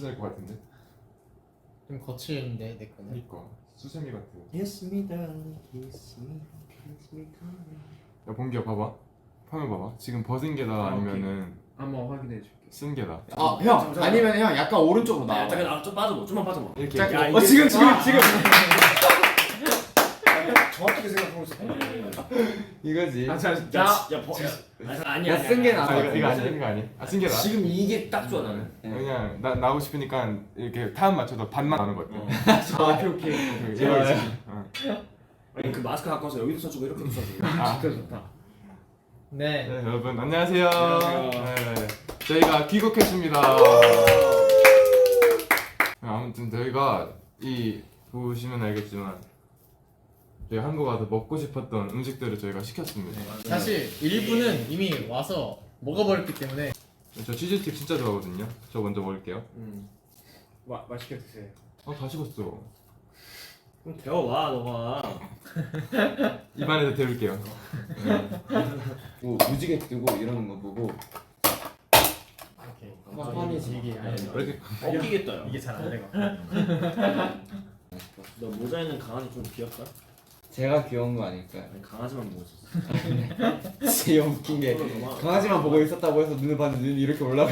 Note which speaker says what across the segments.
Speaker 1: 될 것 같은데.
Speaker 2: 좀 거칠는데 내 거는.
Speaker 1: 그니까 수세미 같아.
Speaker 3: Kiss me darling, kiss me, kiss me darling.
Speaker 1: 야 봉기야 봐봐. 화면 봐봐. 지금 벗은 게다 아니면은
Speaker 4: 한번 확인해 줄게.
Speaker 1: 쓴 게다.
Speaker 3: 아, 형 아니면 형 약간 오른쪽으로 나와.
Speaker 5: 잠깐 좀 빠져봐. 좀만 빠져봐.
Speaker 1: 이렇게.
Speaker 4: 야,
Speaker 3: 어 지금.
Speaker 4: 정확하게 생각하고 있어.
Speaker 3: 이거지.
Speaker 4: 아, 자,
Speaker 5: 아니야.
Speaker 3: 쓴 게 나아.
Speaker 1: 아 이거 아니야 이거 아니야. 아쓴 게다.
Speaker 5: 지금 이게 딱 좋아 나는.
Speaker 1: 그냥 나 나오고 싶으니까 이렇게 타임 맞춰서 반만 나는 거 어때?
Speaker 4: 오케이.
Speaker 1: 이거 있지.
Speaker 5: 아니 그 마스크 갖고 와서 여기도 써주고 이렇게도 써주고.
Speaker 1: 아.
Speaker 4: 진짜 좋다.
Speaker 2: 네.
Speaker 1: 네 여러분 안녕하세요.
Speaker 4: 안녕하세요.
Speaker 1: 네, 저희가 귀국했습니다. 아무튼 저희가 이 보시면 알겠지만 저희 한국 와서 먹고 싶었던 음식들을 저희가 시켰습니다.
Speaker 2: 사실 일부는 이미 와서 먹어버렸기 때문에.
Speaker 1: 저 치즈스틱 진짜 좋아하거든요. 저 먼저 먹을게요.
Speaker 4: 맛있게 드세요.
Speaker 1: 다 식었어.
Speaker 5: 그럼 데워와 너가.
Speaker 1: 입안에서 데울게요.
Speaker 3: 뭐 무지개 뜨고 이러는 거 보고.
Speaker 2: 이렇게.
Speaker 3: 뻔히지.
Speaker 2: 이게
Speaker 1: 왜 이렇게
Speaker 5: 엉키겠다 야.
Speaker 2: 이게 잘 안 되고.
Speaker 5: 너 모자 있는 강아지 좀 귀엽다.
Speaker 3: 제가 귀여운 거 아닐까요?
Speaker 5: 아니 강아지만 보고 있었어.
Speaker 3: 진짜 웃긴 게 강아지만 보고 있었다고 해서 눈을 봤는데 눈이 이렇게 올라가.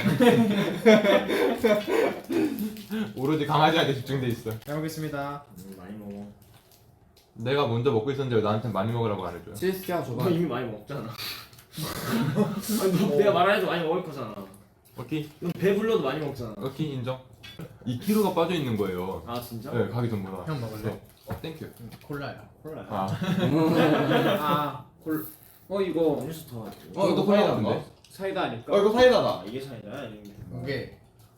Speaker 1: 오로지 강아지한테 집중돼 있어.
Speaker 2: 잘 먹겠습니다.
Speaker 5: 많이 먹어.
Speaker 1: 내가 먼저 먹고 있었는데 왜 나한테 많이 먹으라고 안 해줘요?
Speaker 3: 치즈스틱 하나 줘봐.
Speaker 5: 너 이미 많이 먹잖아. 아니 너 내가 말안 해도 많이 먹을 거잖아.
Speaker 1: 오케이
Speaker 5: 넌 배불러도 많이 먹잖아.
Speaker 1: 오케이 인정. 2kg가 빠져 있는 거예요.
Speaker 5: 아 진짜?
Speaker 1: 네 가기 전보다.
Speaker 2: 형 먹을래?
Speaker 1: 땡큐.
Speaker 2: 콜라야.
Speaker 5: 콜라야.
Speaker 1: 아
Speaker 4: 이거
Speaker 5: 음료수 더.
Speaker 1: 이것도 콜라 같은데?
Speaker 4: 사이다 아닐까?
Speaker 3: 이거 사이다다.
Speaker 5: 아 이게 차이다.
Speaker 2: 이게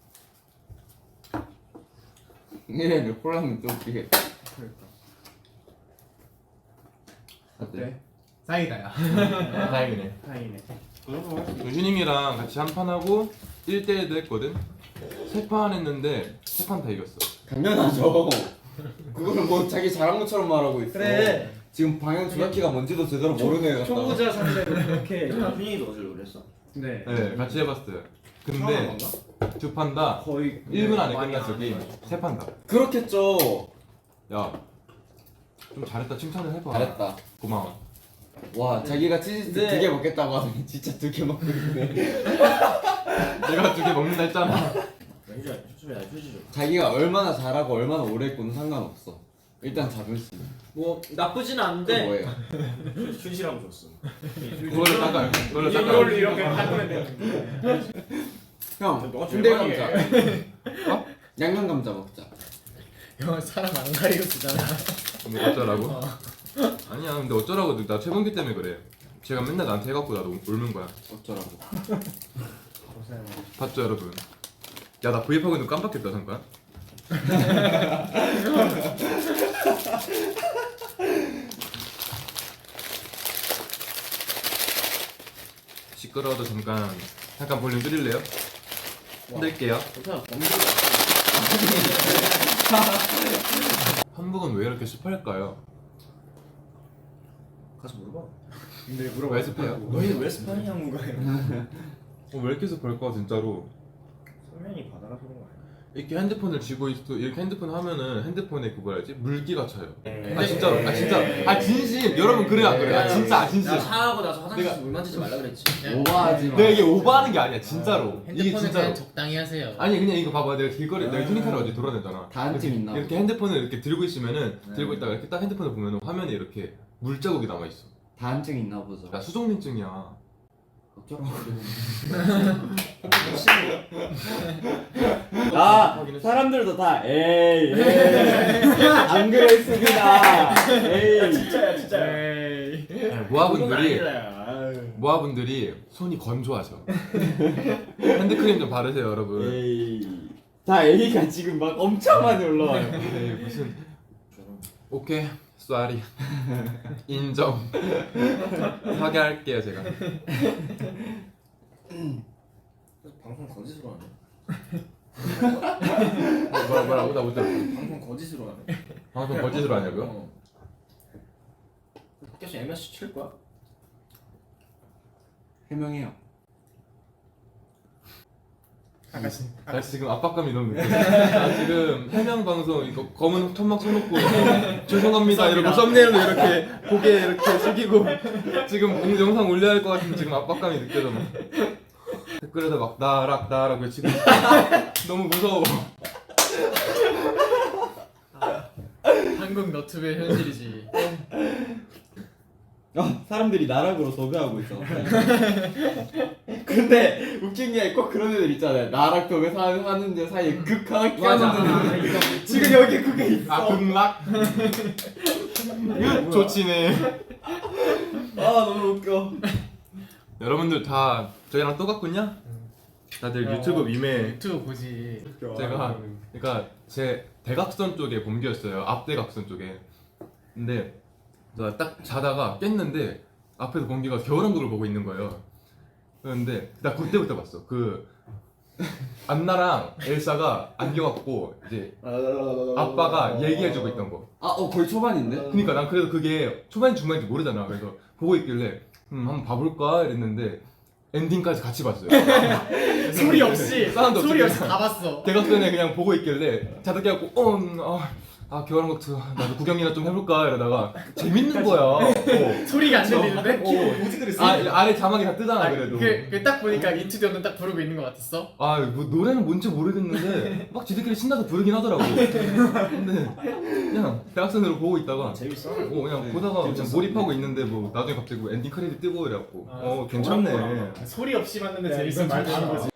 Speaker 3: 네, 콜라는 좀 웃기게.
Speaker 4: 그러니까.
Speaker 3: 어때?
Speaker 2: 사이다야.
Speaker 1: 다행이네.
Speaker 4: 다행이네.
Speaker 1: 휴닝이랑 같이 한 판 하고 1대1도 했거든. 3판 했는데 3판 다 이겼어.
Speaker 3: 당연하죠. 그거는 뭐 자기 잘한 것처럼 말하고 있어.
Speaker 2: 그래.
Speaker 3: 지금 방향 조작키가 뭔지도 제대로 모르는 애 같다.
Speaker 4: 초보자 상대로 그렇게.
Speaker 5: 훈이도 어제 그랬어.
Speaker 4: 네.
Speaker 1: 네 같이 해봤어요. 근데 2판 다
Speaker 4: 거의
Speaker 1: 1분 안에
Speaker 4: 많이
Speaker 1: 끝났어
Speaker 4: 안
Speaker 1: 게임.
Speaker 4: 해가지고.
Speaker 1: 3판 다.
Speaker 3: 그렇겠죠.
Speaker 1: 야 좀 잘했다 칭찬을 해봐.
Speaker 3: 잘했다.
Speaker 1: 고마워.
Speaker 3: 와, 자기가 치즈스틱
Speaker 4: 네.
Speaker 3: 2개 먹겠다고 하더니 진짜 2개 먹고 있네.
Speaker 1: 내가 2개 먹는다 했잖아.
Speaker 5: 휴지 좀.
Speaker 3: 자기가 얼마나 잘하고 얼마나 오래 했고는 상관없어. 일단 자존심.
Speaker 4: 뭐 나쁘진
Speaker 3: 또
Speaker 4: 않은데
Speaker 3: 뭐예요?
Speaker 5: 휴지라고 줬어.
Speaker 1: 그걸로 닦아요. 그걸로 닦아요.
Speaker 4: 이걸로 이렇게 하면 되는데.
Speaker 3: 형,
Speaker 5: 너가
Speaker 3: 군대
Speaker 5: 제일
Speaker 3: 감자. 어? 양념 감자 먹자.
Speaker 2: 형 사람 안 가리고 쓰잖아.
Speaker 1: 뭐 어쩌라고? 아니야 근데 어쩌라고 나 최범기 때문에 그래. 제가 맨날 나한테 해갖고 나도 울는 거야.
Speaker 3: 어쩌라고.
Speaker 1: 봤죠 여러분? 야 나 브이앱하고 있는 거 깜빡했다 잠깐. 시끄러워도 잠깐 볼륨 줄일래요? 흔들게요.
Speaker 5: 괜찮아.
Speaker 1: 한국은 왜 이렇게 습할까요?
Speaker 5: 가서 물어봐.
Speaker 4: 근데
Speaker 1: 왜 습해요?
Speaker 5: 너희는 왜 스파이냐는 거예요?
Speaker 1: 왜 이렇게 습할까 진짜로?
Speaker 5: 성면이 바다가 그런 거 아니야?
Speaker 1: 이렇게 핸드폰을 쥐고 있어 이렇게 핸드폰 하면은 핸드폰에 그 뭐라 해야지 물기가 차요.
Speaker 5: 에이.
Speaker 1: 아 진짜로 아 진심 여러분 그래 안 그래? 아 진짜 아 진심.
Speaker 5: 나 샤워하고 나서 화장실에서
Speaker 1: 내가-
Speaker 5: 물 만지지 말라 그랬지.
Speaker 3: 오버하지 마.
Speaker 1: 내가 이게 오버하는 게 아니야 진짜로. 이게
Speaker 2: 핸드폰은
Speaker 1: 진짜로.
Speaker 2: 그냥 적당히 하세요.
Speaker 1: 아니 그냥 이거 봐봐 내가 길거리 내가 휴닝카를 어제 돌아다녔잖아.
Speaker 3: 다 한 팀 있나?
Speaker 1: 이렇게 핸드폰을 이렇게 들고 있으면은 들고 있다가 이렇게 딱 핸드폰을 보면은 화면에 이렇게 물자국이 남아 있어.
Speaker 3: 다한증 있나 보죠.
Speaker 1: 나 수족냉증이야.
Speaker 3: 어쩌라고.
Speaker 1: 아,
Speaker 3: 사람들도 다 에이 안 그랬습니다. 에이.
Speaker 5: 진짜야 진짜야.
Speaker 2: 에이.
Speaker 1: 모아분들이 손이 건조하죠. 핸드크림 좀 바르세요 여러분.
Speaker 3: 에이. 다 A가 지금 막 엄청 많이 올라와요.
Speaker 1: 에이, 무슨 오케이 쏘리 인정. 사과할게요 제가.
Speaker 5: 방송 거짓으로 하네.
Speaker 1: 뭐라고 나 못 들었어.
Speaker 5: 방송 거짓으로 하네.
Speaker 1: 방송 거짓으로 하냐고요?
Speaker 5: 어. 밖에서 MS 칠 거야?
Speaker 3: 해명해요.
Speaker 1: 나 지금 압박감이 너무 느껴. 나 지금 해명 방송 이거 검은 천막 쳐놓고 죄송합니다 이러고 썸네일로 이렇게 고개 이렇게 숙이고 지금 영상 올려야 할 것 같은데 지금 압박감이 느껴져. 막. 댓글에다 막 나락 외치고 있어. 너무 무서워.
Speaker 2: 한국 너튜브의 현실이지.
Speaker 3: 사람들이 나락으로 도배하고 있어. 근데 웃긴 게 꼭 그런 애들 있잖아요. 나락 도배 하는 데 사이에 극하게 끼어넣는 애들. 지금 여기 그게 있어.
Speaker 1: 아 극락? 좋지네.
Speaker 3: 너무 웃겨.
Speaker 1: 여러분들 다 저희랑 똑같군요? 다들 유튜브 밈에
Speaker 2: 유튜브 보지.
Speaker 1: 제가 그러니까 제 대각선 쪽에 봄기였어요. 앞대각선 쪽에. 근데 제가 딱 자다가 깼는데 앞에서 봄기가 겨울왕국을 보고 있는 거예요. 그런데 나 그때부터 봤어. 그 안나랑 엘사가 안겨갖고 이제 아빠가 얘기해주고 있던 거.
Speaker 3: 거의 초반인데?
Speaker 1: 그러니까 난 그래도 그게 초반 중반인지 모르잖아. 그래서 보고 있길래 한번 봐볼까 이랬는데 엔딩까지 같이 봤어요.
Speaker 2: 소리 없이
Speaker 1: 사운드 없이
Speaker 2: 소리 없이
Speaker 1: 그냥
Speaker 2: 다 봤어.
Speaker 1: 대각선에 그냥 보고 있길래 자다 깨갖고 겨울왕국 2 나도 구경이나 좀 해볼까 이러다가 재밌는 거야.
Speaker 2: 소리가 안 들리는데?
Speaker 4: 뭐지 그랬어?
Speaker 1: 아래 자막이 다 뜨잖아 그래도.
Speaker 2: 딱 보니까 인투디언은 딱 부르고 있는 것 같았어.
Speaker 1: 뭐 노래는 뭔지 모르겠는데 막 지들끼리 신나서 부르긴 하더라고. 근데 그냥 대학생으로 보고 있다가
Speaker 4: 재밌어.
Speaker 1: 그냥 보다가 그냥 몰입하고 있는데 뭐 나중에 갑자기 뭐 엔딩 크레딧 뜨고 이래갖고 괜찮네.
Speaker 2: 소리 없이 봤는데
Speaker 4: 야,
Speaker 2: 재밌어.
Speaker 4: 이건 말도 안 거지.